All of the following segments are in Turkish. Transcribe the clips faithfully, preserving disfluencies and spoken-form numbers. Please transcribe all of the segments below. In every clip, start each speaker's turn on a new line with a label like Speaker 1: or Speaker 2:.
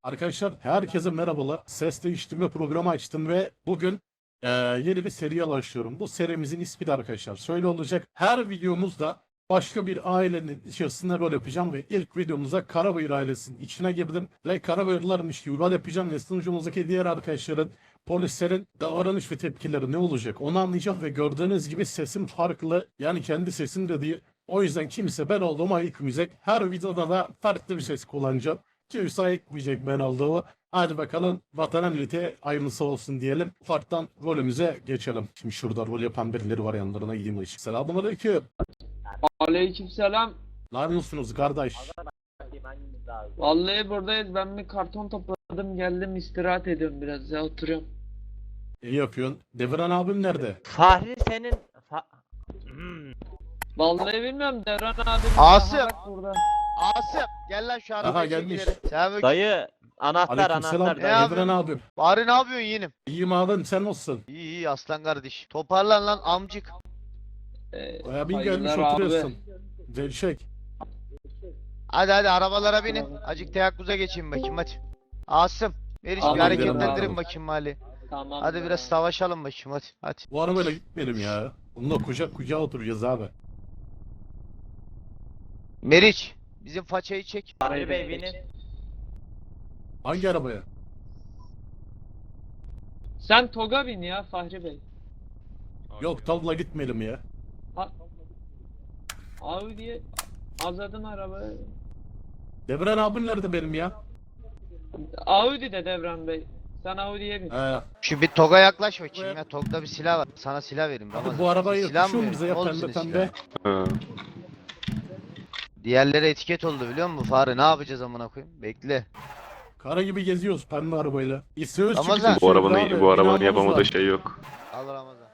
Speaker 1: Arkadaşlar herkese merhabalar. Ses değiştirme programı açtım ve bugün eee, yeni bir seriye başlıyorum. Bu serimizin ismi de arkadaşlar şöyle olacak. Her videomuzda başka bir ailenin içerisinde rol yapacağım ve ilk videomuzda Karabayır ailesinin içine girdim. Ve Karabayırlarmış gibi rol yapacağım ve sunucumuzdaki diğer arkadaşların, polislerin davranış ve tepkileri ne olacak onu anlayacağım ve gördüğünüz gibi sesim farklı. Yani kendi sesim de değil. O yüzden kimse ben olduğumu ayıkmayacak. Her videoda da farklı bir ses kullanacağım. Kimse ayıkmayacak ben olduğumu. Hadi bakalım vatana millete hayırlısı olsun diyelim. Ufaktan rolümüze geçelim. Şimdi şurada rol yapan birileri var yanlarına gideyim ışık. Selamünaleyküm.
Speaker 2: Aleykümselam.
Speaker 1: Ne yapıyorsunuz kardeş?
Speaker 2: Vallahi buradayız. Ben bir karton topladım, geldim istirahat ediyorum biraz ya, oturuyorum.
Speaker 1: İyi yapıyorsun. Devran abim nerede?
Speaker 3: Fahri senin Fa- Hmm.
Speaker 2: Vallahi bilmiyorum, Devran abim.
Speaker 4: Asım!
Speaker 2: Aha bak burada.
Speaker 4: Asım gel lan şu
Speaker 1: Aha,
Speaker 4: arabayı
Speaker 1: gelmiş.
Speaker 4: çekileri. Selamünaleyküm.
Speaker 3: Dayı anahtar
Speaker 1: Aleykümselam.
Speaker 3: anahtar
Speaker 4: Ne
Speaker 3: dayı.
Speaker 4: abi?
Speaker 1: Devran abim.
Speaker 4: Bari ne yapıyorsun yeğenim?
Speaker 1: İyiyim abim sen nasılsın?
Speaker 4: İyi iyi aslan kardeş. Toparlan lan amcık.
Speaker 2: Ee,
Speaker 1: Abin gelmiş
Speaker 2: hayırlar abi.
Speaker 1: oturuyorsun. Gevşek.
Speaker 4: Hadi hadi arabalara binin. Acık teyakkuza geçeyim bakayım hadi. Asım. Meriç
Speaker 2: Abi,
Speaker 4: bir hareketlendirin
Speaker 1: abi.
Speaker 4: bakayım mali.
Speaker 2: Tamam.
Speaker 4: Hadi biraz savaşalım bakayım hadi. Hadi.
Speaker 1: Bu arabayla gitmeyelim ya. Bununla kucak kucağa oturacağız abi.
Speaker 4: Meriç bizim façayı çek.
Speaker 3: Fahri Bey binin.
Speaker 1: Hangi arabaya?
Speaker 2: Sen Toga bin ya Fahri Bey.
Speaker 1: Yok tavla gitmeyelim ya.
Speaker 2: Ha... Audi'ye azadın arabayı.
Speaker 1: Devran abim nerede benim ya?
Speaker 2: Audi de Devran Bey. Sen Audi'ye bin.
Speaker 1: He.
Speaker 4: Şu bir Toga yaklaş bakayım ya. Tog'da bir silah var. Sana silah vereyim.
Speaker 1: Hadi
Speaker 4: Ramazan.
Speaker 1: bu arabayı
Speaker 4: Silah mı
Speaker 1: yakışıyor mu bize ya
Speaker 4: vereyim?
Speaker 1: pembe
Speaker 4: Olsun
Speaker 1: pembe?
Speaker 4: silah. Diğerleri etiket oldu biliyor musun Fahri? Ne yapacağız amına koyayım? Bekle.
Speaker 1: Kara gibi geziyoruz pembe arabayla. İstiyoruz
Speaker 4: Ramazan.
Speaker 1: çünkü
Speaker 5: Bu
Speaker 1: abi,
Speaker 5: arabanın bu arabanın
Speaker 1: binamız
Speaker 5: yapamadığı
Speaker 1: var.
Speaker 5: şey yok.
Speaker 4: Al Ramazan.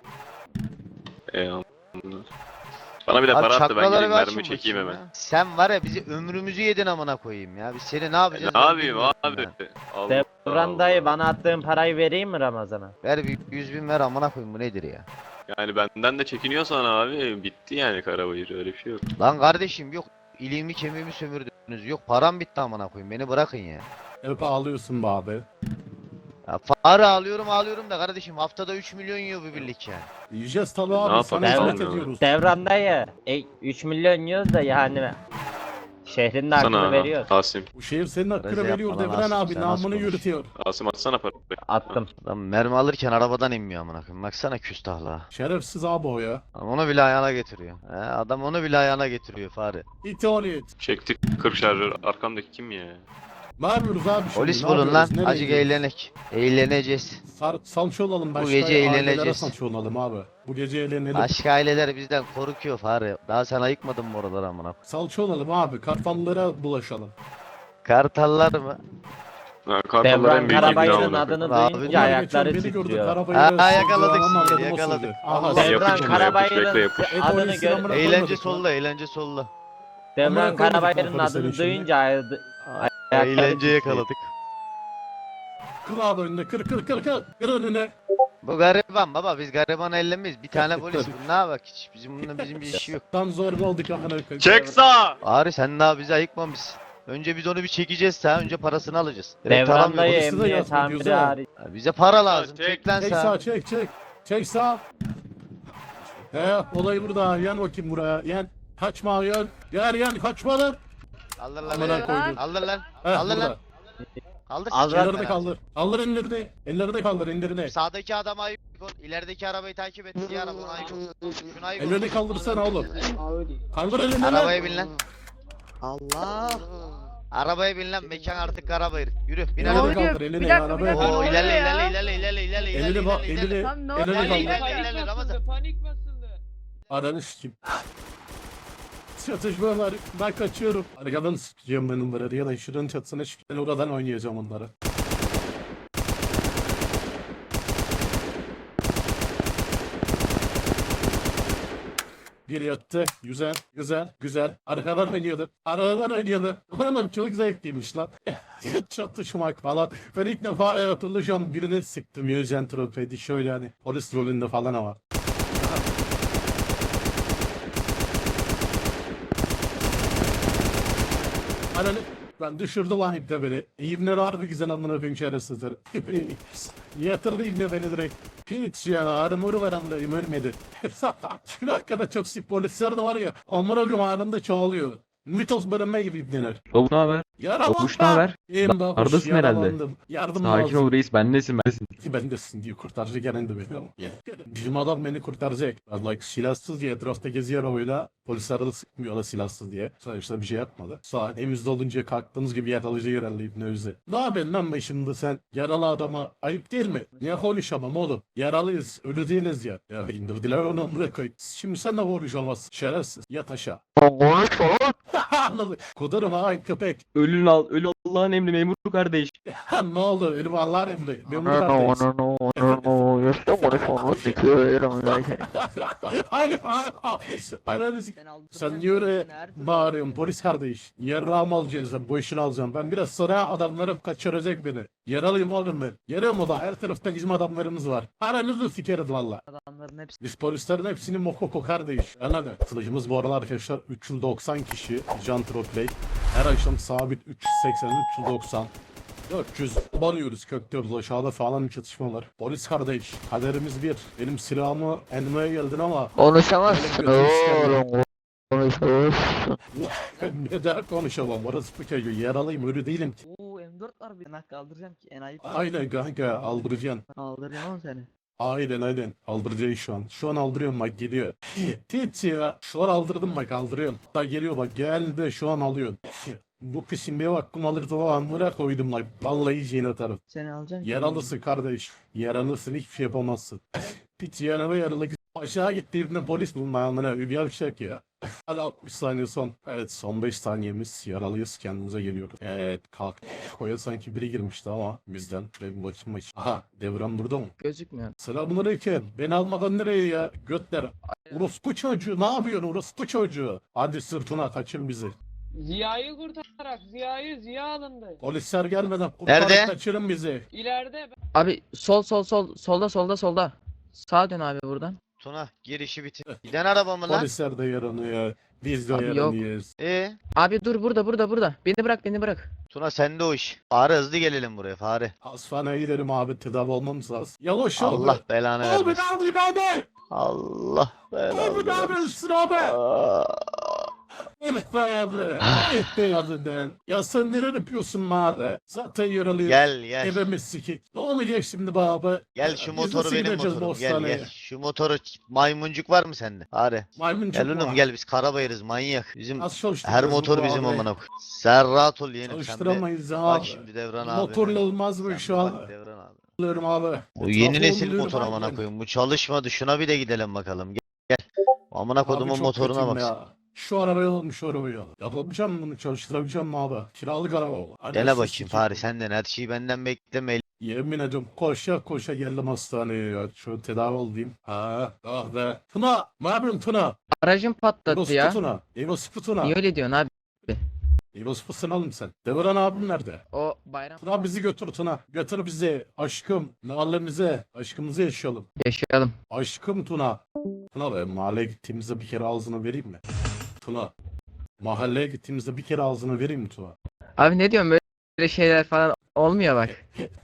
Speaker 5: E, anladım. Bana bir de
Speaker 4: Abi
Speaker 5: para attı, ben
Speaker 4: çakraları
Speaker 5: gideyim
Speaker 4: bir açın
Speaker 5: mermi çekeyim
Speaker 4: bakayım
Speaker 5: hemen.
Speaker 4: ya. Sen var ya bizi ömrümüzü yedin amına koyayım ya. Biz seni ne yapacağız?
Speaker 5: Ne
Speaker 4: ben
Speaker 5: yapayım
Speaker 4: bilmiyorum
Speaker 5: abi?
Speaker 4: ya.
Speaker 5: Allah
Speaker 3: Devran dayı
Speaker 5: Allah.
Speaker 3: bana attığın parayı vereyim mi Ramazan'a?
Speaker 4: Ver bir yüz bin ver amına koyayım bu nedir ya?
Speaker 5: Yani benden de çekiniyorsan abi bitti yani Karabayır, öyle bir şey yok.
Speaker 4: Lan kardeşim yok iliğimi kemiğimi sömürdünüz. Yok param bitti amına koyayım beni bırakın ya.
Speaker 1: Hep ağlıyorsun be abi.
Speaker 4: Ya Fahri ağlıyorum ağlıyorum da kardeşim haftada üç milyon yiyor bu birlik yani.
Speaker 1: Yiyeceğiz tabii
Speaker 5: Ne
Speaker 1: abi sana
Speaker 5: yapalım
Speaker 1: hizmet
Speaker 5: abi?
Speaker 1: ediyoruz.
Speaker 3: Devran dayı e, üç milyon yiyoruz da yani şehrin de hakkını
Speaker 5: Sana
Speaker 3: veriyoruz.
Speaker 5: Asim.
Speaker 1: Bu şehir senin hakkını
Speaker 4: Reze
Speaker 1: veriyor
Speaker 4: yapma lan
Speaker 1: Devran
Speaker 4: Asım,
Speaker 1: abi
Speaker 4: sen nasıl
Speaker 1: namını
Speaker 4: konuş?
Speaker 1: yürütüyor.
Speaker 5: Asim atsana parayı.
Speaker 3: Attım.
Speaker 4: Lan mermi alırken arabadan inmiyor amına koyayım. Baksana küstahla.
Speaker 1: Şerefsiz abi o ya.
Speaker 4: Adam onu bile ayağına getiriyor. He, adam onu bile ayağına getiriyor Fahri.
Speaker 1: İti ol it.
Speaker 5: Çektik kırk şarjör, arkamdaki kim ya?
Speaker 1: Ne yapıyoruz abi şimdi?
Speaker 4: Polis
Speaker 1: Ne
Speaker 4: bulun lan.
Speaker 1: yapıyoruz? Nereye
Speaker 4: Acık
Speaker 1: gidiyoruz?
Speaker 4: eğlenek. Eğleneceğiz.
Speaker 1: Sar, salça olalım başka
Speaker 4: gece
Speaker 1: ailelere
Speaker 4: eğleneceğiz.
Speaker 1: salça olalım abi. Bu gece eğlenelim.
Speaker 4: Başka aileler bizden korkuyor Fahri. Daha sen ayıkmadın mı oraları amına koyayım?
Speaker 1: Salça olalım abi. Kartallara bulaşalım.
Speaker 4: Kartallar mı?
Speaker 5: Ha, Kartallar
Speaker 3: Devran
Speaker 5: en büyük
Speaker 3: Karabayır'ın
Speaker 5: iddia
Speaker 3: adını
Speaker 4: Abi,
Speaker 3: duyunca
Speaker 1: Onlar
Speaker 3: ayakları
Speaker 1: geçen beni gördü,
Speaker 3: titriyor.
Speaker 1: Karabayır'ı
Speaker 4: Ha,
Speaker 1: sıktı,
Speaker 4: yakaladık
Speaker 1: ama
Speaker 4: sizi,
Speaker 1: adamı
Speaker 4: yakaladık.
Speaker 1: sövdü. Aha,
Speaker 4: Allah.
Speaker 1: sen-
Speaker 3: Devran
Speaker 5: Yapışın da yapış, bekle
Speaker 3: Karabayır'ın
Speaker 5: yapış.
Speaker 1: Et
Speaker 3: adını
Speaker 1: oyunu
Speaker 3: gör.
Speaker 1: sinema-
Speaker 4: Eğlence
Speaker 1: koymadık
Speaker 4: solla, eğlence solla.
Speaker 3: Devran
Speaker 1: koymadık
Speaker 3: Karabayır'ın
Speaker 1: lan polislerin
Speaker 3: adını
Speaker 1: içinde.
Speaker 3: duyunca ay- ayakları
Speaker 4: Eğlence
Speaker 3: titriyor.
Speaker 4: yakaladık.
Speaker 1: Kır abi önüne kır kır kır kır. Kır önüne.
Speaker 4: Bu gariban baba biz garibanı ellemeyiz. Bir tane polis bu ne bak hiç bizim bununla bizim bir işi yok.
Speaker 1: Tam zorba olduk amına koyayım.
Speaker 5: Çek sağ!
Speaker 4: Ari sen daha bizi ayıkmamışsın. Önce biz onu bir çekeceğiz sen önce parasını alacağız. Direkt
Speaker 3: Devran
Speaker 4: aramıyoruz.
Speaker 3: dayı
Speaker 1: Polisi de
Speaker 3: emniyet
Speaker 1: yazma
Speaker 3: amiri
Speaker 1: diyoruz ha.
Speaker 3: hariç.
Speaker 4: Ya bize para lazım.
Speaker 5: Çek,
Speaker 4: Çek lan
Speaker 1: Çek
Speaker 4: sen.
Speaker 1: sağ çek çek. Çek sağ. He olay burada. Yan bakayım buraya. Yan. Kaçma yan. Yan yan kaçma lan.
Speaker 4: Kaldır
Speaker 1: Amına
Speaker 4: lan.
Speaker 1: koydum.
Speaker 4: Kaldır lan.
Speaker 1: He
Speaker 4: Kaldır
Speaker 1: burada.
Speaker 4: lan. Kaldır.
Speaker 3: Al
Speaker 4: sikerim
Speaker 1: Ellerini
Speaker 4: ben
Speaker 1: kaldır. Kaldır ellerini. Ellerini kaldır ellerini.
Speaker 4: abi. Sağdaki adama ayık ol. İlerideki arabayı takip et. Diğer araba ona ayık ol. Şuna ayık ol.
Speaker 1: Ellerini kaldırsana oğlum.
Speaker 2: Audi.
Speaker 1: Kaldır elini lan.
Speaker 4: Arabaya bin lan.
Speaker 6: Allah.
Speaker 4: Arabaya bin lan. Mekan artık Karabayır. Yürü. Bin
Speaker 1: Ellerini
Speaker 4: arabaya.
Speaker 1: kaldır
Speaker 6: Bir
Speaker 1: elini.
Speaker 6: dakika, bir
Speaker 1: Arabaya
Speaker 6: dakika.
Speaker 1: kaldır.
Speaker 4: Oo
Speaker 6: Ne
Speaker 4: ilerle
Speaker 6: oluyor ya?
Speaker 4: ilerle ilerle ilerle ilerle
Speaker 1: Elini bak
Speaker 4: ilerle ilerle.
Speaker 1: elini.
Speaker 6: Tam ne
Speaker 1: Elini
Speaker 6: oluyor?
Speaker 1: kaldır.
Speaker 4: İlerle,
Speaker 2: Panik
Speaker 4: ilerle, Ramazan.
Speaker 2: basıldı, panik basıldı.
Speaker 1: Ananı sikeyim. Çatışma var. Ben kaçıyorum. Arkadan sıkacağım ben onları. Ya da şuranın çatısına çıkıp ben oradan oynayacağım onları. Bir yattı. Güzel, güzel, güzel. Arkadan oynuyordu. Arkadan oynuyordu. Ulan çok zevkliymiş lan. Çatışmak falan. Ben ilk defa e, hatırlayacağım birini sıktım. Yüzen tropedi şöyle hani polis rolünde falan ama. Ananı Ben düşürdü lan ipte beni. İbneler harbi güzel amına koyayım şerefsizler. Yatırdı ibne beni direkt. Hiç ya armuru var anlayayım ölmedi. Şu hakikaten çok sip polisler de var ya. Amına koyayım anında çoğalıyor. Mitos bölünme gibi ibneler.
Speaker 7: Babuş ne haber?
Speaker 1: Yaralandım.
Speaker 7: Babuş ne haber?
Speaker 1: İyiyim babuş,
Speaker 7: Neredesin herhalde?
Speaker 1: yaralandım. Yardım
Speaker 7: Sakin
Speaker 1: lazım.
Speaker 7: ol reis, bendesin bendesin.
Speaker 1: Bendesin diye kurtaracak gelen de benim. Bizim adam beni kurtaracak. Ben like silahsız diye etrafta geziyor arabayla. Polisler de sıkmıyorlar silahsız diye. Sonuçta bir şey yapmadı. Saat evimizde olunca kalktığımız gibi yakalayacak herhalde İbni Özde. Ne yapıyorsun lan be şimdi sen? Yaralı adama ayıp değil mi? Niye konuşamam oğlum? Yaralıyız, ölü değiliz ya. Ya indirdiler onu buraya koy. Şimdi sen de konuşamazsın. Şerefsiz. Yat aşağı. Anladım. Kudurum ha köpek.
Speaker 7: Ölün al, ölü Allah'ın emri memur kardeş.
Speaker 1: Ha ne oldu? Ölü vallahi emri. Memur kardeş. Hayır hayır hayır. Hayır. Sen niye öyle bağırıyorsun polis kardeş? Yarrağımı alacağız ben, bu işini alacağım. Ben biraz sonra adamlarım kaçıracak beni. Yaralıyım oğlum ben. Yarım o da her tarafta bizim adamlarımız var. Paranızı sikeriz valla.
Speaker 6: Adamların hepsi.
Speaker 1: Biz polislerin hepsinin mokoko kardeş. Anladın? Kılıcımız bu aralar arkadaşlar üç yüz doksan kişi. Can Troplay. Her akşam sabit üç yüz seksen üç yüz doksan. dört yüz banıyoruz, köklüyoruz aşağıda falan çatışmalar. Polis kardeş, kaderimiz bir. Benim silahımı elmeye geldin ama
Speaker 6: Konuşamazsın
Speaker 1: oğlum.
Speaker 6: Konuşamazsın.
Speaker 1: neden konuşamam? Orası bu çocuğu. Yaralıyım, ölü değilim ki.
Speaker 6: Oo M dört var bir nak kaldıracağım ki enayi.
Speaker 1: Aynen kanka, aldıracaksın.
Speaker 6: Kaldıracağım oğlum seni.
Speaker 1: Aynen aynen, aldıracaksın şu an. Şu an aldırıyorum bak geliyor. Tit ya, şu an aldırdım bak aldırıyorum. Da geliyor bak geldi şu an alıyorsun. Bu kışın bir hakkım alırdı o an buraya koydum lan. Vallahi yiyeceğini atarım.
Speaker 6: Seni alacağım ki.
Speaker 1: Yaralısın kardeş. Yaralısın hiçbir şey yapamazsın. Piç yaralı yaralı. Aşağı gittiğimde polis bulmayanlara bir yavşak ya. Hadi altmış saniye son. Evet son beş saniyemiz. Yaralıyız kendimize geliyoruz. Evet kalk. Koya sanki biri girmişti ama bizden. Ve bir başım baş. Aha devran burada mı?
Speaker 6: Gözükmüyor.
Speaker 1: Selamünaleyküm. Beni almadan nereye ya? Götler. Orospu çocuğu ne yapıyorsun orospu çocuğu? Hadi sırtına kaçın bizi.
Speaker 2: Ziya'yı kurtararak Ziya'yı Ziya alındı.
Speaker 1: Polisler gelmeden kurtarıp
Speaker 4: Nerede?
Speaker 1: kaçırın bizi.
Speaker 2: İleride
Speaker 6: Abi sol sol sol solda solda solda. Sağa dön abi buradan.
Speaker 4: Tuna girişi bitir. Giden araba mı lan?
Speaker 1: Polisler de yaranıyor. Biz de
Speaker 6: Abi yok.
Speaker 1: yaranıyoruz.
Speaker 4: Ee,
Speaker 6: Abi dur burada burada burada. Beni bırak beni bırak.
Speaker 4: Tuna sende o iş. Fare hızlı gelelim buraya fare.
Speaker 1: Hastaneye gidelim abi tedavi olmamız lazım. Yavaş ol.
Speaker 4: Allah belanı
Speaker 1: Abi
Speaker 4: vermesin.
Speaker 1: ne yapayım abi?
Speaker 4: Allah
Speaker 1: Abi
Speaker 4: belanı
Speaker 1: ne
Speaker 4: vermesin.
Speaker 1: yapıyorsun abi?
Speaker 4: Aa,
Speaker 1: Evet be abi. Evet be adından. Ya sen neler yapıyorsun abi? Zaten yaralıyız.
Speaker 4: Gel gel.
Speaker 1: Evimiz sikik. Ne olacak şimdi be abi?
Speaker 4: Gel şu
Speaker 1: Biz
Speaker 4: motoru
Speaker 1: nasıl
Speaker 4: benim
Speaker 1: gideceğiz bu
Speaker 4: motorum. Gel
Speaker 1: hastaneye?
Speaker 4: gel. Şu motoru maymuncuk var mı sende? Fare.
Speaker 1: Maymuncuk
Speaker 4: Gel oğlum
Speaker 1: var.
Speaker 4: gel biz karabayırız manyak. Bizim
Speaker 1: Az çalıştırırız
Speaker 4: her
Speaker 1: bu
Speaker 4: motor bizim
Speaker 1: abi.
Speaker 4: amına koy. Sen rahat ol yeğenim sen de.
Speaker 1: Çalıştıramayız
Speaker 4: Bak
Speaker 1: abi.
Speaker 4: şimdi Devran abi.
Speaker 1: Motorla olmaz bu
Speaker 4: Sen
Speaker 1: şu
Speaker 4: bir
Speaker 1: an.
Speaker 4: bak Devran abi.
Speaker 1: Alıyorum abi.
Speaker 4: Bu yeni
Speaker 1: Etrafı
Speaker 4: nesil
Speaker 1: oluyorum
Speaker 4: motor
Speaker 1: abi
Speaker 4: amına
Speaker 1: ben.
Speaker 4: koyayım. Bu çalışmadı. Şuna bir de gidelim bakalım. Gel. gel. Amına
Speaker 1: Abi
Speaker 4: kodumun
Speaker 1: çok
Speaker 4: motoruna
Speaker 1: kötüyüm
Speaker 4: bak.
Speaker 1: ya. Şu arabaya almış şu arabayı. Yapabileceğim mi bunu çalıştırabileceğim mi abi? Kiralık araba o. Hadi
Speaker 4: Dene
Speaker 1: sus,
Speaker 4: bakayım
Speaker 1: sikeyim.
Speaker 4: Fahri senden her şeyi benden bekleme.
Speaker 1: Yemin ediyorum koşa koşa geldim hastaneye ya. Şu tedavi olayım. Ha, ah be. Tuna, ne yapıyorsun Tuna?
Speaker 6: Aracım patladı
Speaker 1: Evospu
Speaker 6: ya.
Speaker 1: Tuna. Evospu Tuna.
Speaker 6: Niye öyle diyorsun abi?
Speaker 1: Evospu'sun oğlum sen. Devran abim nerede?
Speaker 6: O bayram
Speaker 1: Tuna bizi götür Tuna. Götür bizi. Aşkım. Mahallemize. Aşkımızı yaşayalım.
Speaker 6: yaşayalım.
Speaker 1: Aşkım Tuna. Tuna be mahalleye gittiğimizde bir kere ağzını vereyim mi? Tuna. Mahalleye gittiğimizde bir kere ağzını vereyim mi Tuna?
Speaker 6: Abi ne diyorsun böyle şeyler falan olmuyor bak.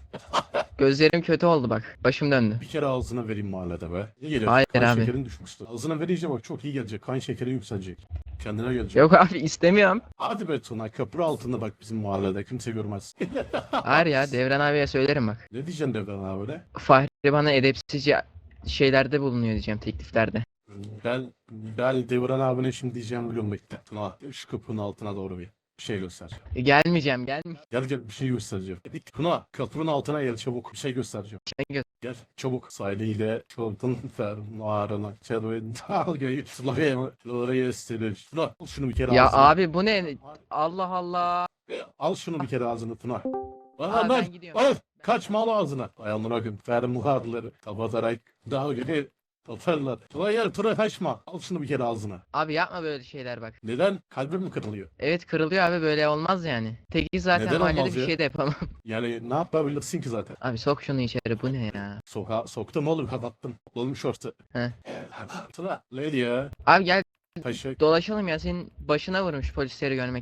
Speaker 6: Gözlerim kötü oldu bak. Başım döndü.
Speaker 1: Bir kere ağzına vereyim mahallede be. İyi gelir.
Speaker 6: Hayır
Speaker 1: kan
Speaker 6: abi.
Speaker 1: şekerin düşmüştü. Ağzına verince bak çok iyi gelecek. Kan şekeri yükselecek. Kendine gelecek.
Speaker 6: Yok abi istemiyorum.
Speaker 1: Hadi be Tuna köprü altında bak bizim mahallede. Kimse görmez.
Speaker 6: Hayır ya Devran abiye söylerim bak.
Speaker 1: Ne diyeceksin Devran abi öyle?
Speaker 6: Fahri bana edepsizce şeylerde bulunuyor diyeceğim tekliflerde.
Speaker 1: Ben, ben Devran abine şimdi diyeceğim biliyorum bekle. Tuna şu kapının altına doğru bir bir şey göster.
Speaker 6: E, gelmeyeceğim gelmeyeceğim.
Speaker 1: Gel gel bir şey göstereceğim. Tuna kapının altına gel çabuk bir şey göstereceğim.
Speaker 6: Gel.
Speaker 1: Gel çabuk sahiliyle çoğuldun fermuarına çelvin dalgayı sulayı oraya istedir. Tuna al şunu bir kere
Speaker 6: Ya
Speaker 1: ağzına.
Speaker 6: abi bu ne? Allah Allah.
Speaker 1: Al şunu bir kere ağzına Tuna.
Speaker 6: Aa,
Speaker 1: Aa,
Speaker 6: ben
Speaker 1: lan,
Speaker 6: gidiyorum.
Speaker 1: al, kaçma al ağzına. Ayağımına koyayım fermuarları kapatarak dalgayı toparlar. Tuna gel Tuna kaçma. Al şunu bir kere ağzına.
Speaker 6: Abi yapma böyle şeyler bak.
Speaker 1: Neden? Kalbim mi kırılıyor?
Speaker 6: Evet kırılıyor abi böyle olmaz yani. Teki zaten
Speaker 1: Neden
Speaker 6: mahallede
Speaker 1: olmaz
Speaker 6: bir
Speaker 1: ya?
Speaker 6: şey de yapamam.
Speaker 1: Yani ne yapabilirsin ki zaten?
Speaker 6: Abi sok şunu içeri bu ne ya?
Speaker 1: Sokağa soktum oğlum kapattım. Topladım şortu.
Speaker 6: He.
Speaker 1: Tuna. Lady ya.
Speaker 6: Abi gel
Speaker 1: Taşı.
Speaker 6: dolaşalım ya senin başına vurmuş polisleri görmek gel.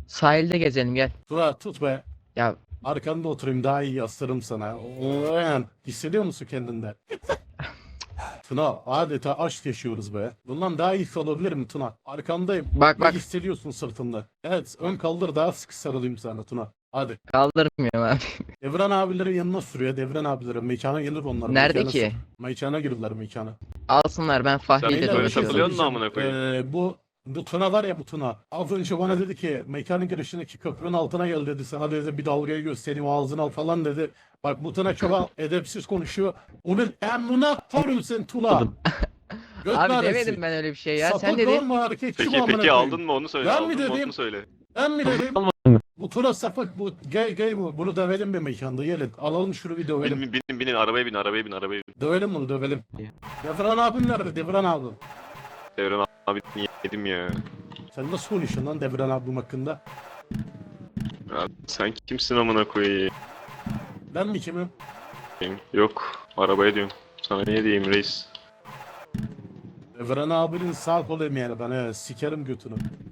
Speaker 6: Sahilde gezelim gel.
Speaker 1: Tuna tut be.
Speaker 6: Ya
Speaker 1: Arkanda oturayım daha iyi yaslarım sana. Oo, hissediyor musun kendinde? Tuna adeta aşk yaşıyoruz be. Bundan daha iyi olabilir mi Tuna? Arkandayım.
Speaker 6: bak
Speaker 1: Ne
Speaker 6: bak
Speaker 1: hissediyorsun sırtında? Evet ön kaldır daha sıkı sarılayım sana Tuna. Hadi.
Speaker 6: kaldırmıyorum abi.
Speaker 1: Devran abilerin yanına sürüyor. Devran abilerin mekana gelir onlar.
Speaker 6: Nerede
Speaker 1: Mekana
Speaker 6: ki?
Speaker 1: sür- Mekana girdiler mekana.
Speaker 6: Alsınlar ben Fahri
Speaker 5: Sen
Speaker 6: ile
Speaker 5: böyle
Speaker 1: Beyler, bir şey
Speaker 5: takılıyorsun
Speaker 6: dolaşıyorum.
Speaker 5: da amına koyayım.
Speaker 1: Ee, bu bu Tuna var ya bu Tuna. Az önce bana dedi ki mekanın girişindeki köprünün altına gel dedi. Sana dedi bir dalgayı göstereyim ağzını al falan dedi. Bak bu Tuna çok edepsiz konuşuyor. Onun emrine koyun sen Tuna. Göt
Speaker 6: Abi
Speaker 1: naresi.
Speaker 6: demedim ben öyle bir şey ya. Sen
Speaker 1: Sapık
Speaker 6: dedin.
Speaker 1: olma hareketçi mi
Speaker 5: Peki
Speaker 1: amına
Speaker 5: peki
Speaker 1: koyayım?
Speaker 5: aldın mı onu söyle.
Speaker 1: Ben
Speaker 5: Aldın
Speaker 1: mi
Speaker 5: mı
Speaker 1: dedim?
Speaker 5: onu söyle.
Speaker 1: Ben mi dedim?
Speaker 7: Almadın.
Speaker 1: Bu Tuna sapık bu gay gay bu. Bunu dövelim bir mekanda gelin. Alalım şunu bir dövelim.
Speaker 5: Binin binin binin arabaya bin arabaya bin arabaya bin.
Speaker 1: Dövelim bunu dövelim. Devran abim nerede? Devran abim.
Speaker 5: Devran abi yedim ya.
Speaker 1: Sen nasıl konuşuyorsun lan Devran abim hakkında?
Speaker 5: Ya sen kimsin amına koyayım?
Speaker 1: Ben mi kimim?
Speaker 5: Yok arabaya diyorum. Sana niye diyeyim reis?
Speaker 1: Devran abinin sağ kolu emeğine ben he, sikerim götünü.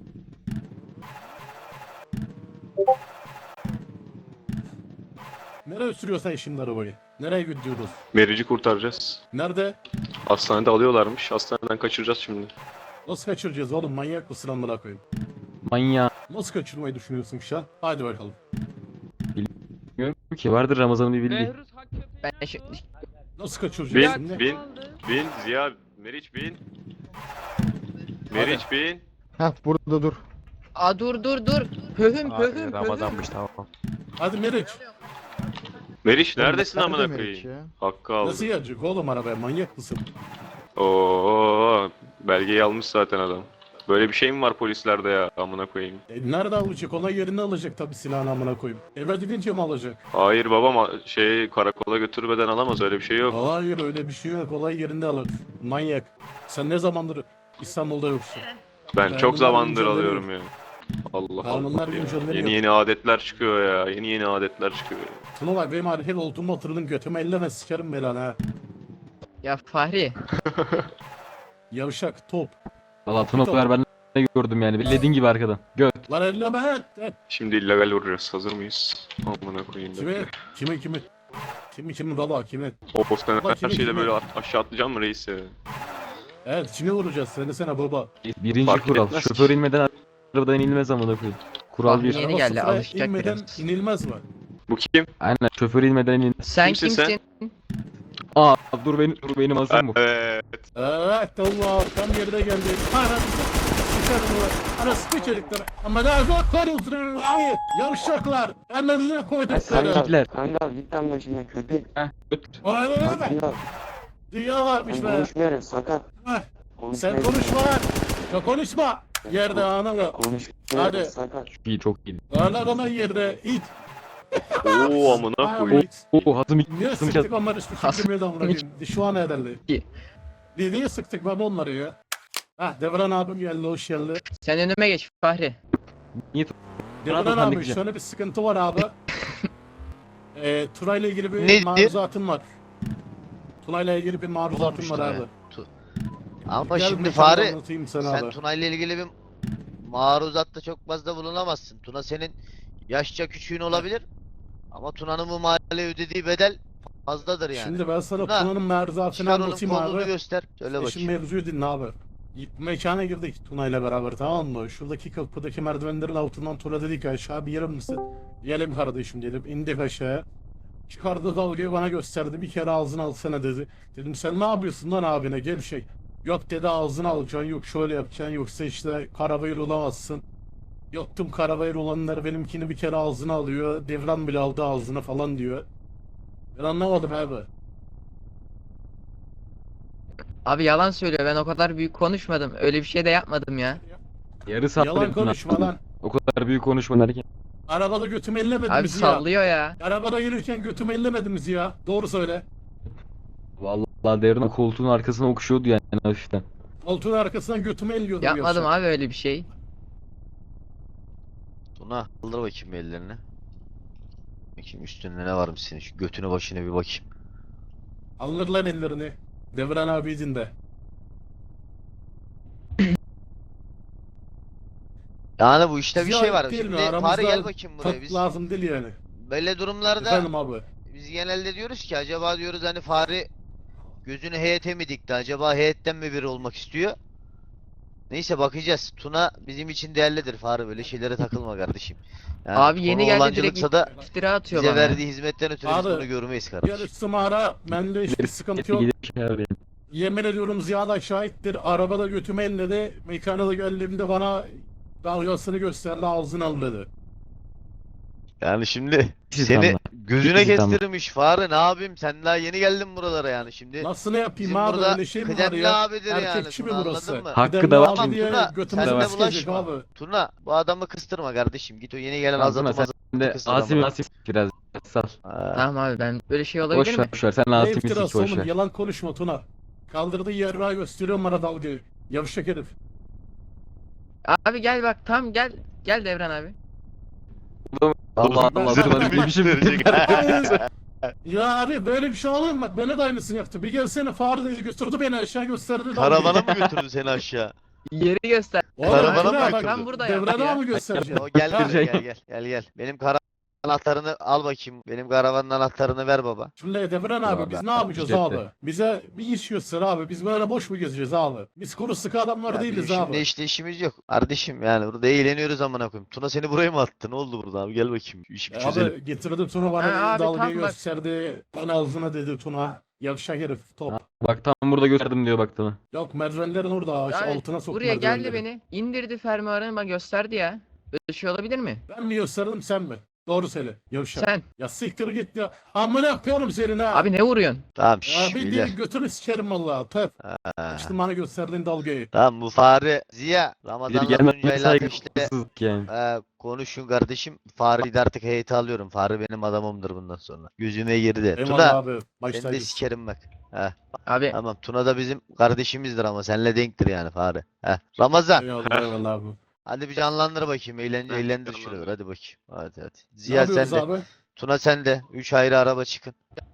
Speaker 1: Nereye sürüyorsun şimdi arabayı? Nereye gidiyoruz?
Speaker 5: Merici kurtaracağız.
Speaker 1: Nerede?
Speaker 5: Hastanede alıyorlarmış. Hastaneden kaçıracağız şimdi.
Speaker 1: Nasıl kaçıracağız oğlum? Manyak mısın amına koyayım?
Speaker 7: Manyağı.
Speaker 1: Nasıl kaçırmayı düşünüyorsun şu an? Hadi bakalım.
Speaker 7: Bilmiyorum ki vardır Ramazan'ın bir bildiği.
Speaker 2: Behruz hak köpeği
Speaker 6: Ben şu-
Speaker 2: aldı.
Speaker 1: Nasıl kaçıracağız
Speaker 5: Bin,
Speaker 1: şimdi?
Speaker 5: bin, bin, Ziya, Meriç bin. Meriç bin.
Speaker 8: Heh burada dur.
Speaker 6: Aa dur dur dur. Pöhüm pöhüm pöhüm.
Speaker 7: Ramazanmış tamam.
Speaker 1: Hadi Meriç.
Speaker 5: Meriç neredesin
Speaker 8: Nerede
Speaker 5: amına
Speaker 8: Meriç
Speaker 5: koyayım?
Speaker 8: ya?
Speaker 5: Hakkı aldı.
Speaker 1: Nasıl yiyecek oğlum arabaya? Manyak mısın?
Speaker 5: Oo, belgeyi almış zaten adam. Böyle bir şey mi var polislerde ya amına koyayım?
Speaker 1: E, nerede alacak? Ona yerini alacak tabii silahını amına koyayım. Eve gidince mi alacak?
Speaker 5: Hayır babam a- şey karakola götürmeden alamaz öyle bir şey yok.
Speaker 1: Hayır öyle bir şey yok. Olay yerinde alır. Manyak. Sen ne zamandır İstanbul'da yoksun?
Speaker 5: Ben
Speaker 1: Kanunlar
Speaker 5: çok zamandır
Speaker 1: güncelleniyor.
Speaker 5: alıyorum ya. Allah
Speaker 1: Kanunlar
Speaker 5: Allah ya.
Speaker 1: güncelleniyor.
Speaker 5: Yeni yeni adetler çıkıyor ya. Yeni yeni adetler çıkıyor.
Speaker 1: Tuna benim hareket olduğumu hatırladın götüme elleme sikerim belanı ha.
Speaker 6: Ya Fahri.
Speaker 1: Yavşak top.
Speaker 7: Valla Tunaklar ben ne gördüm yani. Bildiğin gibi arkadan. Göt.
Speaker 1: Lan elleme ha. Ha.
Speaker 5: Şimdi illegal vuracağız. Hazır mıyız? Amına koyayım.
Speaker 1: Kimi? Kimi kimi? Kimi kimi baba kimi?
Speaker 5: O sen
Speaker 1: Bak,
Speaker 5: her
Speaker 1: kimi,
Speaker 5: şeyde
Speaker 1: kimi?
Speaker 5: böyle a- aşağı atlayacağım mı reis ya?
Speaker 1: Evet kimi vuracağız? Söylesene baba.
Speaker 7: Birinci
Speaker 5: Fark
Speaker 7: kural.
Speaker 5: etmez ki.
Speaker 7: Şoför inmeden arabadan inilmez amına koyayım. Kural bir.
Speaker 6: Yeni
Speaker 1: Araba
Speaker 6: geldi,
Speaker 1: sıfıra
Speaker 6: alışacak
Speaker 1: inmeden
Speaker 6: biraz.
Speaker 1: inilmez mi?
Speaker 5: Bu kim?
Speaker 7: Aynen şoför inmeden inilmez.
Speaker 6: Sen
Speaker 5: Kimsin
Speaker 6: kimsin?
Speaker 5: sen?
Speaker 7: Aa dur benim dur benim hazır mı?
Speaker 5: Evet.
Speaker 1: Evet Allah tam yerine geldi. Anasını sıçarım ulan. Anasını çelikler. Ama daha zor koruyorsun. Hayır. Yavşaklar. Ellerine koydukları.
Speaker 7: Hitler.
Speaker 9: Kangal git lan başımdan köpek.
Speaker 7: Heh, göt.
Speaker 1: Vay vay vay.
Speaker 9: Kangal
Speaker 1: Dünya varmış
Speaker 9: ben
Speaker 1: be.
Speaker 9: konuşmuyorum sakat.
Speaker 1: Heh, Sen
Speaker 9: Konuşmuyorum.
Speaker 1: konuşma lan. Ya konuşma. Yerde ana
Speaker 9: Konuşmuyorum
Speaker 1: Hadi.
Speaker 9: sakat.
Speaker 7: Çok iyi çok iyi.
Speaker 1: ana ana yerde it.
Speaker 5: Oo amına koyayım.
Speaker 7: Oo hazım
Speaker 1: Niye
Speaker 7: hazım
Speaker 1: sıktık onları üstü fikrimi de amına Şu an ederli.
Speaker 6: İyi.
Speaker 1: Niye niye sıktık ben onları ya? Ha Devran abim geldi hoş geldi.
Speaker 6: Sen önüme geç Fahri.
Speaker 1: Devran
Speaker 7: Abi,
Speaker 1: abi
Speaker 7: halledeceğim.
Speaker 1: şöyle bir sıkıntı var abi. Eee Tuna'yla ilgili bir
Speaker 4: Nedir?
Speaker 1: maruzatım var. Tuna'yla ilgili bir maruzatım
Speaker 4: Olmuş
Speaker 1: var
Speaker 4: Tuna
Speaker 1: abi.
Speaker 4: ya. Ama
Speaker 1: Gel
Speaker 4: şimdi
Speaker 1: mekanda
Speaker 4: Fahri
Speaker 1: anlatayım sana
Speaker 4: sen
Speaker 1: abi.
Speaker 4: Tuna ile ilgili bir maruzatta çok fazla bulunamazsın. Tuna senin yaşça küçüğün olabilir. Ama Tuna'nın bu mahalleye ödediği bedel fazladır yani.
Speaker 1: Şimdi ben sana
Speaker 4: Tuna,
Speaker 1: Tuna'nın maruzatını
Speaker 4: Çıkar onun
Speaker 1: anlatayım
Speaker 4: kolunu
Speaker 1: abi.
Speaker 4: göster. Söyle
Speaker 1: E şimdi
Speaker 4: bakayım.
Speaker 1: mevzuyu dinle abi. Mekana girdik Tuna ile beraber tamam mı? Şuradaki kapıdaki merdivenlerin altından Tuna dedik aşağı bir yerim misin? Diyelim kardeşim dedim. İndik aşağıya. Çıkardı dalgayı bana gösterdi. Bir kere ağzını alsana dedi. Dedim sen ne yapıyorsun lan abine gel şey. Yok dedi ağzını alacaksın. Yok şöyle yapacaksın. Yoksa işte karabayır olamazsın. Yoktum karabayır olanlar benimkini bir kere ağzına alıyor. Devran bile aldı ağzına falan diyor. Ben anlamadım abi.
Speaker 6: Abi yalan söylüyor. Ben o kadar büyük konuşmadım. Öyle bir şey de yapmadım ya.
Speaker 7: Yarı saat
Speaker 1: Yalan konuşma lan.
Speaker 7: O kadar büyük konuşma derken.
Speaker 1: Arabada götümü ellemediniz
Speaker 6: Abi
Speaker 1: ya.
Speaker 6: sallıyor ya.
Speaker 1: Arabada yürürken götümü ellemediniz ya. Doğru söyle.
Speaker 7: Vallahi Devran koltuğun arkasına okşuyordu yani hafiften.
Speaker 1: Koltuğun arkasından götümü elliyordum.
Speaker 6: Yapmadım
Speaker 1: yavşak.
Speaker 6: abi öyle bir şey.
Speaker 4: Tuna kaldır bakayım bir ellerini. Bakayım üstünde ne varmış senin. Şu götünü başına bir bakayım.
Speaker 1: Alır lan ellerini. Devran abi dinle.
Speaker 4: Yani bu işte bir şey var.
Speaker 1: Ziyaret değil mi?
Speaker 4: Şimdi Fahri
Speaker 1: Aramızda
Speaker 4: gel bakayım buraya.
Speaker 1: tat
Speaker 4: Biz
Speaker 1: lazım değil yani.
Speaker 4: böyle durumlarda
Speaker 1: Efendim abi.
Speaker 4: biz genelde diyoruz ki acaba diyoruz hani Fahri gözünü heyete mi dikti? Acaba heyetten mi biri olmak istiyor? Neyse bakacağız. Tuna bizim için değerlidir Fahri, böyle şeylere takılma kardeşim. Yani
Speaker 6: Abi yeni
Speaker 4: konu
Speaker 6: geldi
Speaker 4: olancılıksa
Speaker 6: direkt
Speaker 4: da
Speaker 6: iftira atıyor
Speaker 4: bize
Speaker 6: bana. ya.
Speaker 4: verdiği hizmetten ötürü biz
Speaker 1: Abi,
Speaker 4: bunu görmeyiz
Speaker 1: Yani
Speaker 4: kardeşim.
Speaker 1: Sımara bende hiçbir sıkıntı yok.
Speaker 7: Gidip şey arayayım.
Speaker 1: Yemin ediyorum Ziya şahittir. Arabada götümü elledi. Mekana da geldiğimde bana dalgasını gösterdi, ağzını al dedi.
Speaker 4: Yani şimdi
Speaker 7: Siz
Speaker 4: seni
Speaker 7: anla.
Speaker 4: gözüne
Speaker 7: Siz anla.
Speaker 4: kestirmiş Fahri, ne yapayım, sen daha yeni geldin buralara yani şimdi.
Speaker 1: Nasıl ne yapayım
Speaker 4: Bizim
Speaker 1: abi,
Speaker 4: burada
Speaker 1: öyle şey mi var
Speaker 4: kıdemli
Speaker 1: ya?
Speaker 4: abidir yani,
Speaker 1: Erkekçi mi
Speaker 4: Tuna,
Speaker 1: burası?
Speaker 4: anladın mı?
Speaker 7: Hakkı
Speaker 1: Kıdemli
Speaker 7: da var
Speaker 1: abi
Speaker 4: Ama
Speaker 1: diye
Speaker 4: Tuna,
Speaker 1: götümüzü
Speaker 4: sen de
Speaker 1: sikecek
Speaker 4: bulaşma.
Speaker 1: abi.
Speaker 4: Tuna, bu adamı kıstırma kardeşim, git o yeni gelen
Speaker 7: Tamam,
Speaker 4: azatı
Speaker 7: Tuna,
Speaker 4: mazatı
Speaker 7: sen de
Speaker 4: kıstır
Speaker 7: Asim
Speaker 4: ama.
Speaker 7: Asim biraz sal.
Speaker 4: Ha.
Speaker 6: Tamam abi ben böyle şey olabilir
Speaker 7: Boş
Speaker 6: mi?
Speaker 7: ver, boş ver. Sen
Speaker 1: Ne
Speaker 7: Asim'i sik,
Speaker 1: iftirası
Speaker 7: boş
Speaker 1: oğlum,
Speaker 7: ver.
Speaker 1: yalan konuşma Tuna. Kaldırdığı yerrağı gösteriyorum bana dalgayı. Yavşak herif.
Speaker 6: Abi gel bak tam gel. Gel Devran abi.
Speaker 7: Allah
Speaker 1: Ben-
Speaker 7: Allah
Speaker 1: ben-
Speaker 7: Tuna
Speaker 1: ben-
Speaker 7: bilmişim.
Speaker 1: Ya abi böyle bir şey olur mu? Bak bana da aynısını yaptı. Bir gelsene Fahri dedi, götürdü beni aşağı gösterdi. dalgayı.
Speaker 4: Karavana mı götürdü seni aşağı?
Speaker 6: Yeri göster.
Speaker 1: Oğlum,
Speaker 4: Karavana
Speaker 1: Tuna
Speaker 4: mı
Speaker 1: bak,
Speaker 4: götürdü?
Speaker 6: Ben burada yaptım
Speaker 1: Devrana
Speaker 6: ya.
Speaker 1: mı göstereceğim?
Speaker 4: O gel
Speaker 1: Ha,
Speaker 4: buraya, gel gel gel gel. Benim karavan anahtarını al bakayım. Benim karavanın anahtarını ver baba.
Speaker 1: Şimdi Devran abi biz ne yapacağız
Speaker 7: Cepte.
Speaker 1: abi? Bize bir iş göster abi. Biz böyle boş mu gezeceğiz abi? Biz kuru sıkı adamlar
Speaker 4: Ya
Speaker 1: değiliz
Speaker 4: bizim
Speaker 1: abi.
Speaker 4: şimdi işte işimiz yok. Kardeşim yani burada eğleniyoruz amına koyayım. Tuna seni buraya mı attı? Ne oldu burada abi? Gel bakayım. Şu işi bir
Speaker 1: E
Speaker 4: çözelim.
Speaker 1: Abi getirdim Tuna bana
Speaker 6: Ha, abi,
Speaker 1: dalgayı
Speaker 6: tam bak.
Speaker 1: gösterdi. Bana ağzına dedi Tuna. Yavşak herif top.
Speaker 7: Bak tam burada gösterdim diyor bak Tuna.
Speaker 1: Yok merdivenlerin orada şu
Speaker 6: Abi,
Speaker 1: altına soktu
Speaker 6: buraya geldi
Speaker 1: merdivenleri.
Speaker 6: beni. İndirdi fermuarını bana gösterdi ya. Böyle şey olabilir mi?
Speaker 1: Ben mi gösterdim sen mi? Doğru söyle. Yavşak.
Speaker 6: Sen.
Speaker 1: Ya siktir git ya. Amına yapıyorum senin ha.
Speaker 6: Abi ne vuruyorsun?
Speaker 4: Tamam
Speaker 1: Ya
Speaker 4: şşş
Speaker 1: bir
Speaker 4: beyler.
Speaker 1: değil götünü sikerim valla. Töp.
Speaker 4: Ha.
Speaker 1: İşte bana gösterdiğin dalgayı.
Speaker 4: Tamam bu Fahri Ziya
Speaker 7: Biri
Speaker 4: Ramazan'la
Speaker 7: gelmez
Speaker 4: Tuncay'la ateşle
Speaker 7: saygısızlık yani.
Speaker 4: e, konuşun kardeşim. Fahri'yi de artık heyete alıyorum. Fahri benim adamımdır bundan sonra. Gözüme girdi.
Speaker 1: Eyvallah
Speaker 4: Tuna
Speaker 1: abi.
Speaker 4: seni de
Speaker 1: Başta
Speaker 4: sikerim bak. Heh,
Speaker 6: Abi
Speaker 4: tamam Tuna da bizim kardeşimizdir ama seninle denktir yani Fahri. Heh. Ramazan
Speaker 1: Eyvallah eyvallah abi.
Speaker 4: hadi bir canlandır bakayım. Eğlen,
Speaker 5: Heh,
Speaker 4: eğlendir
Speaker 5: canlandır.
Speaker 4: şuraları hadi bakayım. Hadi hadi.
Speaker 1: Ne
Speaker 4: Ziya sen
Speaker 1: yapıyoruz
Speaker 4: de.
Speaker 1: abi?
Speaker 4: Tuna sen de. Üç ayrı araba çıkın.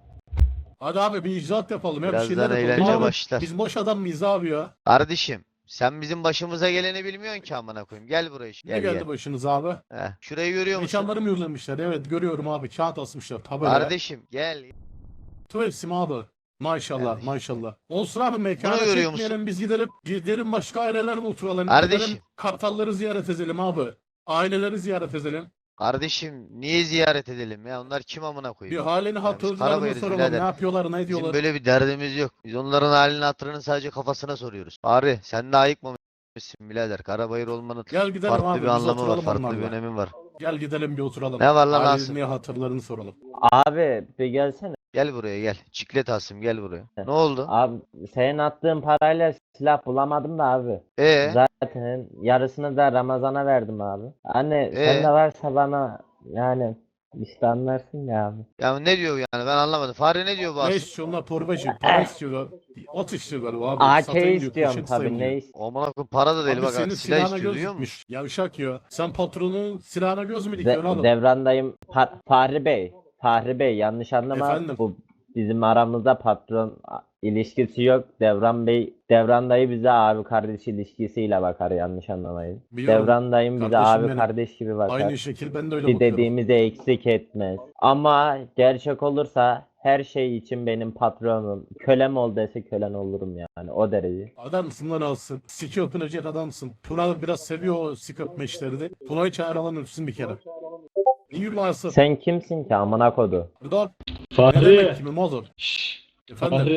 Speaker 1: Hadi abi bir icraat yapalım ya. Bir
Speaker 4: Birazdan
Speaker 1: şeyler yapalım.
Speaker 4: eğlence
Speaker 1: Abi,
Speaker 4: başlar.
Speaker 1: Biz boş adam mıyız abi ya?
Speaker 4: Kardeşim sen bizim başımıza geleni bilmiyorsun ki amına koyayım. Gel buraya. şu-
Speaker 1: Ne
Speaker 4: Gel
Speaker 1: geldi
Speaker 4: gel.
Speaker 1: başınıza abi?
Speaker 4: Heh. Şurayı görüyor musun?
Speaker 1: Mekanları mı yürülemişler? Evet görüyorum abi. Kağıt asmışlar tabelaya.
Speaker 4: Kardeşim gel.
Speaker 1: Tuvaletim abi. Maşallah
Speaker 4: Kardeşim.
Speaker 1: maşallah. Olsun abi mekana
Speaker 4: Bunu görüyor
Speaker 1: çekmeyelim biz gidelim. Gidelim başka ailelerde oturalım.
Speaker 4: Kardeşim.
Speaker 1: Gidelim kartalları ziyaret edelim abi. Aileleri ziyaret edelim.
Speaker 4: Kardeşim niye ziyaret edelim ya? Onlar kim amına
Speaker 1: Bir
Speaker 4: koyayım?
Speaker 1: halini
Speaker 4: para
Speaker 1: hatırlarını
Speaker 4: koyarız
Speaker 1: soralım.
Speaker 4: birader.
Speaker 1: Ne yapıyorlar ne
Speaker 4: Bizim
Speaker 1: ediyorlar.
Speaker 4: böyle bir derdimiz yok. Biz onların halini hatırını sadece kafasına soruyoruz. Bari sen de ayıkmamışsın birader. Karabayır olmanın
Speaker 1: Gel gidelim
Speaker 4: farklı
Speaker 1: abi
Speaker 4: bir
Speaker 1: biz
Speaker 4: anlamı var.
Speaker 1: oturalım
Speaker 4: Farklı bir
Speaker 1: onlarla.
Speaker 4: önemi var.
Speaker 1: Gel gidelim bir oturalım.
Speaker 4: Ne var lan Asım?
Speaker 1: Ailenin hatırlarını soralım.
Speaker 3: Abi bir gelsene.
Speaker 4: Gel buraya gel. Çiklet Asım gel buraya.
Speaker 3: Heh.
Speaker 4: Ne oldu?
Speaker 3: Abi senin attığın parayla silah bulamadım da abi.
Speaker 4: Ee?
Speaker 3: Zaten yarısını da Ramazan'a verdim abi. Hani
Speaker 4: Ee?
Speaker 3: sende varsa bana yani işte anlarsın ya abi.
Speaker 4: Ya ne diyor yani ben anlamadım. Fahri ne diyor bu
Speaker 1: Ne
Speaker 4: Asım?
Speaker 1: istiyor onlar torbacı? Para istiyor. Ot istiyor galiba abi.
Speaker 3: A K
Speaker 1: Satayım diyor,
Speaker 3: istiyorum
Speaker 1: poşet
Speaker 3: tabii
Speaker 1: sayayım diyor.
Speaker 3: ne ist-
Speaker 4: Aman akım para da değil
Speaker 1: Abi
Speaker 4: bak.
Speaker 1: senin
Speaker 4: Silah
Speaker 1: silahına
Speaker 4: istiyor
Speaker 1: göz
Speaker 4: duyuyor musun?
Speaker 1: dikmiş. Yavşak ya. Sen patronun silahına göz mü dikiyorsun
Speaker 3: De-
Speaker 1: oğlum?
Speaker 3: Devrandayım. Pa- Fahri Bey. Fahri Bey yanlış anlama.
Speaker 1: Efendim?
Speaker 3: Bu bizim aramızda patron a- ilişkisi yok. Devran Bey, Devran dayı bize abi kardeş ilişkisiyle bakar yanlış anlamayın.
Speaker 1: Biliyorum.
Speaker 3: Devran dayım bize
Speaker 1: Kardeşim
Speaker 3: abi
Speaker 1: benim.
Speaker 3: kardeş gibi bakar.
Speaker 1: Aynı şekil ben de öyle
Speaker 3: Bir
Speaker 1: bakıyorum.
Speaker 3: dediğimizi eksik etmez. Ama gerçek olursa her şey için benim patronum. Kölem ol dese kölen olurum yani o derece.
Speaker 1: Adamsın lan alsın. Siki öpünecek adamsın. Tuna biraz seviyor o sik öpme işleri de. Tuna'yı çağıralım öpsün bir kere. İyi varsın.
Speaker 3: Sen kimsin ki amına kodu?
Speaker 1: Buradan ne
Speaker 8: Fahri.
Speaker 1: demek kimim olur?
Speaker 8: Şşş.
Speaker 1: Efendim?
Speaker 8: Fahri.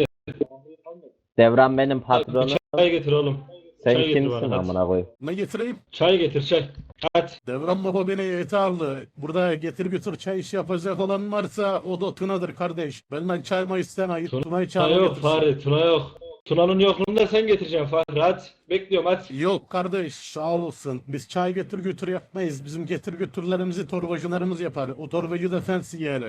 Speaker 3: Devran benim
Speaker 8: Bir
Speaker 3: patronum.
Speaker 8: çay getir oğlum.
Speaker 3: Sen
Speaker 8: çay getir
Speaker 3: kimsin
Speaker 8: bana, hadi.
Speaker 3: amına koyayım?
Speaker 1: Ne getireyim?
Speaker 8: Çay getir çay. Hadi.
Speaker 1: Devran baba beni yeterli. Burada getir götür çay işi yapacak olan varsa o da Tuna'dır kardeş. Benden çayma isteme. Git
Speaker 8: Tuna-
Speaker 1: Tuna'yı
Speaker 8: Tuna
Speaker 1: çağır
Speaker 8: yok
Speaker 1: getirsin.
Speaker 8: Fahri. Tuna yok. Tuna'nın yokluğunda sen getireceksin Fahri. Hadi. Bekliyorum hadi.
Speaker 1: Yok kardeş sağ olsun. Biz çay getir götür yapmayız. Bizim getir götürlerimizi torbacılarımız yapar. O torbacı da sensin yani.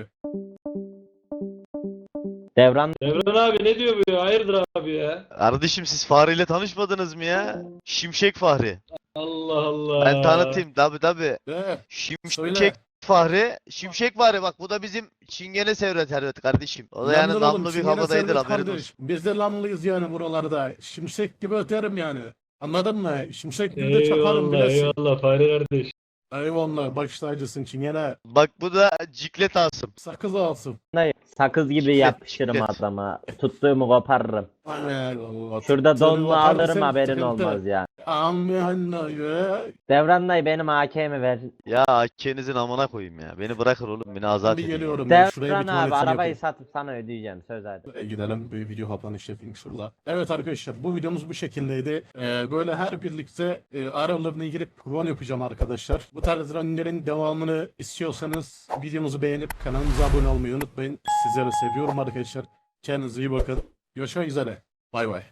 Speaker 3: Devran
Speaker 8: Devran abi ne diyor bu ya? Hayırdır abi ya?
Speaker 4: Kardeşim siz Fahri ile tanışmadınız mı ya? Şimşek Fahri.
Speaker 8: Allah Allah.
Speaker 4: Ben tanıtayım tabi tabi.
Speaker 1: De,
Speaker 4: Şimşek
Speaker 1: söyle.
Speaker 4: Fahri. Şimşek Fahri bak bu da bizim Çingene Servet Servet kardeşim. O da yani
Speaker 1: Yandın oğlum,
Speaker 4: namlu bir
Speaker 1: Çingene
Speaker 4: havadaydır
Speaker 1: Servet
Speaker 4: haberin
Speaker 1: kardeş.
Speaker 4: olsun.
Speaker 1: Biz de lanlıyız yani buralarda. Şimşek gibi öterim yani. Anladın mı? Şimşek Gül'de çakarım
Speaker 8: Eyvallah
Speaker 1: bilesin.
Speaker 8: eyvallah Fahri kardeş.
Speaker 1: Eyvallah baş tacısın Çingene.
Speaker 4: Bak bu da ciklet alsın.
Speaker 1: Sakız alsın.
Speaker 3: Sakız gibi
Speaker 4: Şiddet,
Speaker 3: yapışırım
Speaker 4: şiddet.
Speaker 3: adama. Tuttuğumu koparırım.
Speaker 1: Allah.
Speaker 3: Şurada
Speaker 1: Seni
Speaker 3: donlu
Speaker 1: koparırsam
Speaker 3: alırım haberin
Speaker 1: sıkıntı.
Speaker 3: olmaz ya.
Speaker 1: Aman ya.
Speaker 3: Devran dayı benim A K'mi ver.
Speaker 4: Ya Akkenizin amına koyayım ya. Beni bırakın oğlum. Beni azat
Speaker 1: Bir
Speaker 4: edin.
Speaker 1: geliyorum ben şuraya
Speaker 3: Devran
Speaker 1: bir
Speaker 3: abi
Speaker 1: tuvaletini
Speaker 3: arabayı
Speaker 1: yapayım.
Speaker 3: satıp sana ödeyeceğim söz hadi.
Speaker 1: E, Gidelim bir video kapanış yapayım şurada. Evet arkadaşlar bu videomuz bu şekildeydi. Ee, böyle her birlikte e, aralarına girip run yapacağım arkadaşlar. Bu tarz runlerin devamını istiyorsanız videomuzu beğenip kanalımıza abone olmayı unutmayın. Sizleri seviyorum arkadaşlar. Kendinize iyi bakın. Görüşmek üzere. Bay bay.